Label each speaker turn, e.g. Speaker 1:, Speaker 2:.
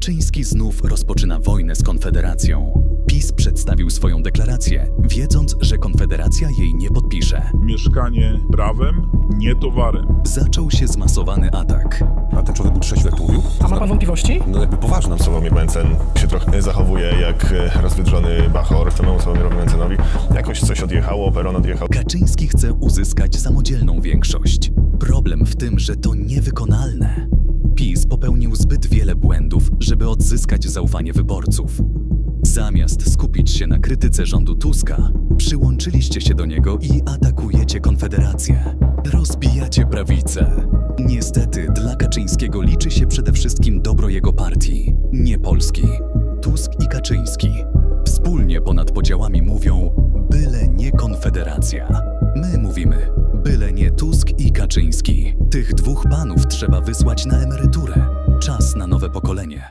Speaker 1: Kaczyński znów rozpoczyna wojnę z Konfederacją. PiS przedstawił swoją deklarację, wiedząc, że Konfederacja jej nie podpisze.
Speaker 2: Mieszkanie prawem, nie towarem.
Speaker 1: Zaczął się zmasowany atak.
Speaker 3: A ten człowiek był trzeźwy, jak to mówił?
Speaker 4: A ma pan wątpliwości?
Speaker 3: No jakby poważnym Sławomir Mencen się trochę zachowuje jak rozwydrzony bachor samemu Sławomirowi Mentzenowi. Jakoś coś odjechało, peron odjechał.
Speaker 1: Kaczyński chce uzyskać samodzielną większość. Problem w tym, że to niewykonalne. PiS popełnił zbyt wiele błędów, żeby odzyskać zaufanie wyborców. Zamiast skupić się na krytyce rządu Tuska, przyłączyliście się do niego i atakujecie Konfederację. Rozbijacie prawicę. Niestety dla Kaczyńskiego liczy się przede wszystkim dobro jego partii, nie Polski. Tusk i Kaczyński wspólnie ponad podziałami mówią: byle nie Konfederacja. My mówimy: byle nie Tusk i Kaczyński. Tych dwóch panów trzeba wysłać na emeryturę. Czas na nowe pokolenie.